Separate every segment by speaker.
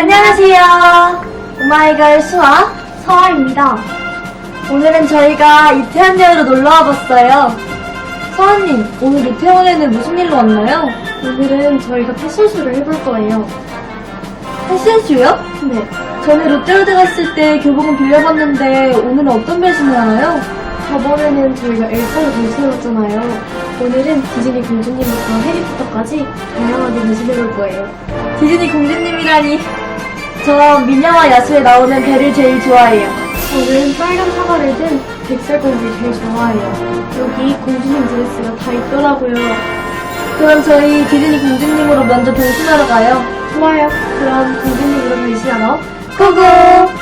Speaker 1: 안녕하세요. 오마이걸 수아 서아입니다. 오늘은 저희가 이태원역으로 놀러와 봤어요. 서아님, 오늘 이태원에는 무슨 일로 왔나요?
Speaker 2: 오늘은 저희가 패션쇼를 해볼 거예요.
Speaker 1: 패션쇼요?
Speaker 2: 네.
Speaker 1: 전에 롯데월드 갔을 때 교복은 빌려봤는데 오늘은 어떤 변신을 하나요?
Speaker 2: 저번에는 저희가 엘사를 변신해봤잖아요. 오늘은 디즈니 공주님부터 해리포터까지 다양하게 변신해볼 거예요.
Speaker 1: 디즈니 공주님이라니. 저 미녀와 야수에 나오는 벨을 제일 좋아해요.
Speaker 2: 저는 빨간 사과를 든 백설공주를 제일 좋아해요. 여기 공주님 드레스가 다 있더라고요.
Speaker 1: 그럼 저희 디즈니 공주님으로 먼저 변신하러 가요.
Speaker 2: 좋아요. 그럼 공주님으로 변신하러
Speaker 1: 고고!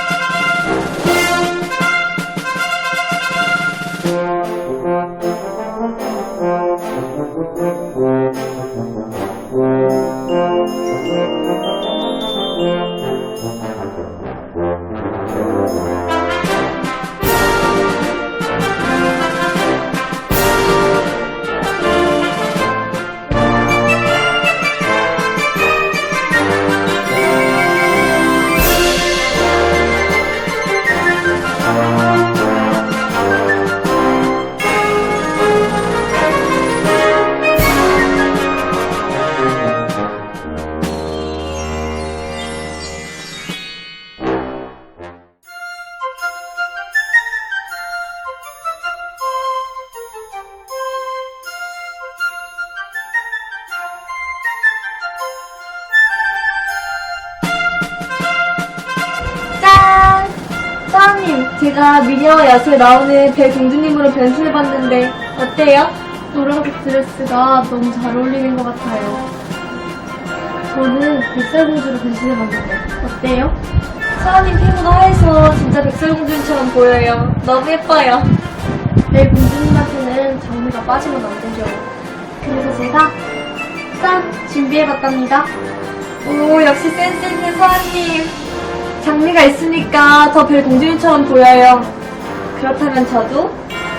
Speaker 1: 짠! 서아님, 제가 미녀와 야수에 나오는 벨 공주님으로 변신해봤는데 어때요?
Speaker 2: 노란색 드레스가 너무 잘 어울리는 것 같아요. 저는 백설공주로 변신해봤는데 어때요?
Speaker 1: 서아님 피부가 하얘서 진짜 백설공주님처럼 보여요. 너무 예뻐요.
Speaker 2: 내 공주님한테는 장미가 빠지면 안 되죠. 그래서 제가 짠! 준비해봤답니다.
Speaker 1: 오, 역시 센스 있는 서아님. 장미가 있으니까 더 벨 공주님처럼 보여요. 그렇다면 저도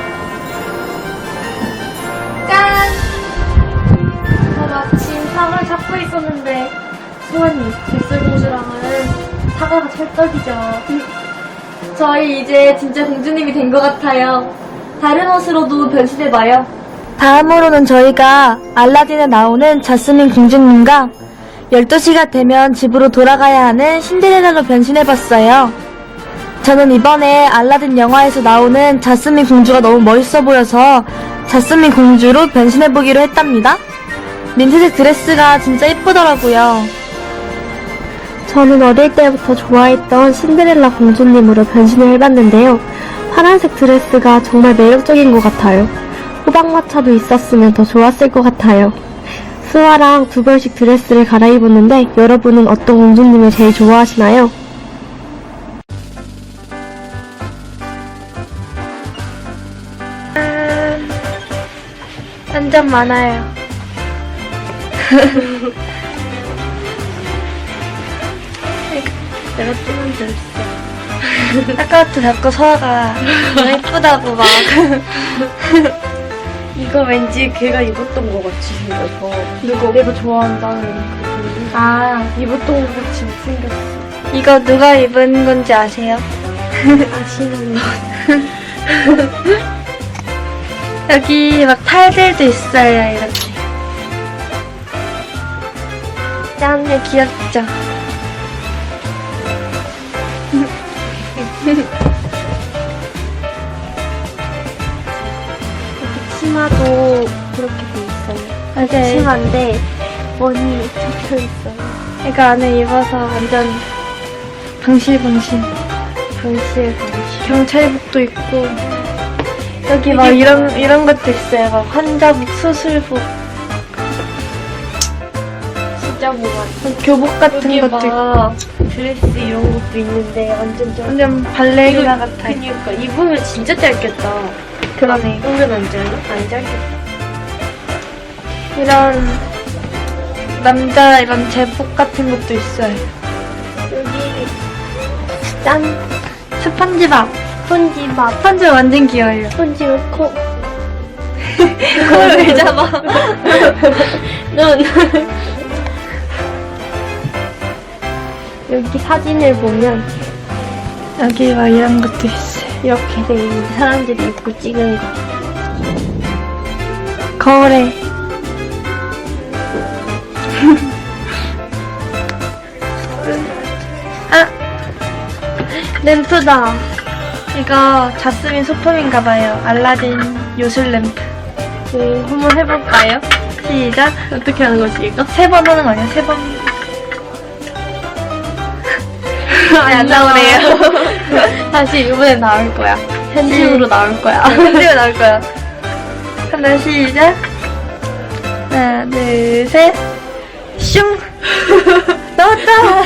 Speaker 1: 짠!
Speaker 2: 저 마침 사과를 찾고 있었는데 소원님, 백설공주랑은 사과가 찰떡이죠.
Speaker 1: 저희 이제 진짜 공주님이 된 것 같아요. 다른 옷으로도 변신해봐요. 다음으로는 저희가 알라딘에 나오는 자스민 공주님과 12시가 되면 집으로 돌아가야 하는 신데렐라로 변신해봤어요. 저는 이번에 알라딘 영화에서 나오는 자스민 공주가 너무 멋있어 보여서 자스민 공주로 변신해보기로 했답니다. 민트색 드레스가 진짜 예쁘더라고요.
Speaker 2: 저는 어릴 때부터 좋아했던 신데렐라 공주님으로 변신을 해봤는데요. 파란색 드레스가 정말 매력적인 것 같아요. 호박마차도 있었으면 더 좋았을 것 같아요. 수아랑 두 벌씩 드레스를 갈아입었는데 여러분은 어떤 공주님을 제일 좋아하시나요?
Speaker 1: 완전 많아요.
Speaker 2: 내가 뜨면 됐어.
Speaker 1: 아까부터 자꾸 서아가 너무 예쁘다고 막.
Speaker 2: 이거 왠지 걔가 입었던 것 같이 생겨서 누가 내가 좋아한다는 그 공주 입었던 것 같이 생겼어.
Speaker 1: 이거 누가 입은 건지 아세요?
Speaker 2: 아시는 거.
Speaker 1: 여기 막 팔들도 있어요, 이렇게. 짠, 귀엽죠?
Speaker 2: 치마도 그렇게 돼 있어요.
Speaker 1: 맞아요.
Speaker 2: 치마인데 원이 잡혀 있어요.
Speaker 1: 이거 안에 입어서 완전 방실방실.
Speaker 2: 방실.
Speaker 1: 경찰복도 있고. 여기 막 이런 것도 있어요. 막 환자복, 수술복,
Speaker 2: 진짜 뭐가
Speaker 1: 교복 같은
Speaker 2: 여기
Speaker 1: 것도 있고.
Speaker 2: 막 드레스 이런 것도 있는데 완전 좀
Speaker 1: 완전 발레리나 같아요.
Speaker 2: 그니까 입으면 진짜 짧겠다.
Speaker 1: 그러네.
Speaker 2: 오면 안 짧나? 안 짧겠다.
Speaker 1: 이런 남자 이런 제복 같은 것도 있어요.
Speaker 2: 여기 짠
Speaker 1: 스펀지밥.
Speaker 2: 스펀지밥.
Speaker 1: 스펀지밥 완전 귀여워요.
Speaker 2: 스펀지밥 코.
Speaker 1: 그걸 왜 잡아?
Speaker 2: 눈. 여기 사진을 보면
Speaker 1: 여기 막 이런 것도 있어요.
Speaker 2: 이렇게 돼 있는 사람들이 입고 찍은 거.
Speaker 1: 거울에. 아! 램프다. 이거 자스민 소품인가봐요. 알라딘 요술 램프.
Speaker 2: 한번 해볼까요?
Speaker 1: 시작.
Speaker 2: 어떻게 하는 거지, 이거?
Speaker 1: 3번 하는 거 아니야? 3번. 안 나오네요.
Speaker 2: 다시 이번엔 나올 거야. 편집으로 나올 거야.
Speaker 1: 편집으로 나올 거야. 하나, 시작. 하나, 둘, 셋. 슝! 나왔다!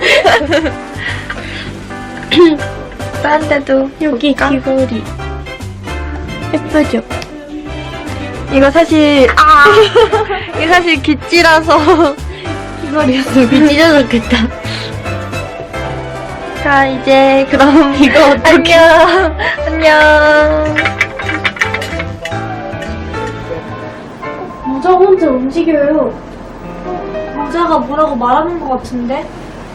Speaker 1: 딴 데도
Speaker 2: 여기
Speaker 1: 볼까?
Speaker 2: 귀걸이. 예쁘죠?
Speaker 1: 이거 사실, 이거 사실 귀찌라서.
Speaker 2: 귀걸이였어. 귀 찢어졌겠다.
Speaker 1: 자, 이제, 그럼,
Speaker 2: 이거 어떡해.
Speaker 1: 안녕! 안녕!
Speaker 2: 모자 혼자 움직여요.
Speaker 1: 모자가 뭐라고 말하는 것 같은데?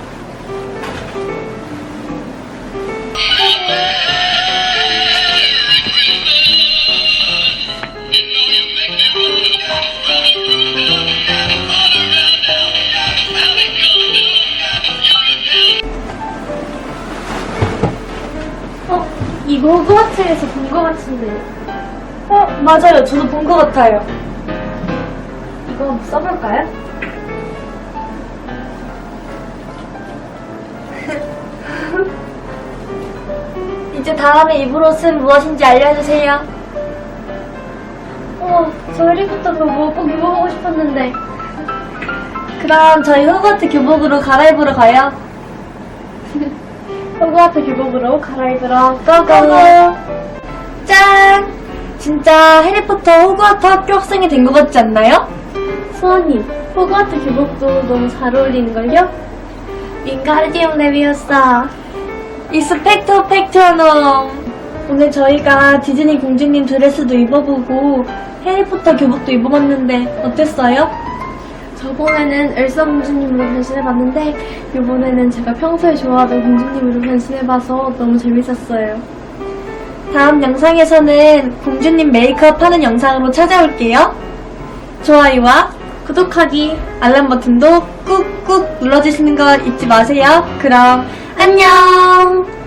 Speaker 2: 이거 호그와트에서 본 거 같은데.
Speaker 1: 맞아요. 저도 본 것 같아요.
Speaker 2: 이거 한번 써볼까요?
Speaker 1: 이제 다음에 입을 옷은 무엇인지 알려주세요.
Speaker 2: 저 해리포터 교복 꼭 입어보고 싶었는데.
Speaker 1: 그럼 저희 호그와트 교복으로 갈아입으러 가요.
Speaker 2: 호그와트 교복으로 갈아입으러
Speaker 1: 고고! 짠! 진짜 해리포터 호그와트 학교 학생이 된 것 같지 않나요?
Speaker 2: 수아님, 호그와트 교복도 너무 잘 어울리는걸요?
Speaker 1: 윙가르디움 레비오사 이스펙토 팩트노. 오늘 저희가 디즈니 공주님 드레스도 입어보고 해리포터 교복도 입어봤는데 어땠어요?
Speaker 2: 저번에는 엘사 공주님으로 변신해봤는데 이번에는 제가 평소에 좋아하던 공주님으로 변신해봐서 너무 재밌었어요.
Speaker 1: 다음 영상에서는 공주님 메이크업 하는 영상으로 찾아올게요. 좋아요와
Speaker 2: 구독하기
Speaker 1: 알람 버튼도 꾹꾹 눌러주시는 거 잊지 마세요. 그럼 안녕!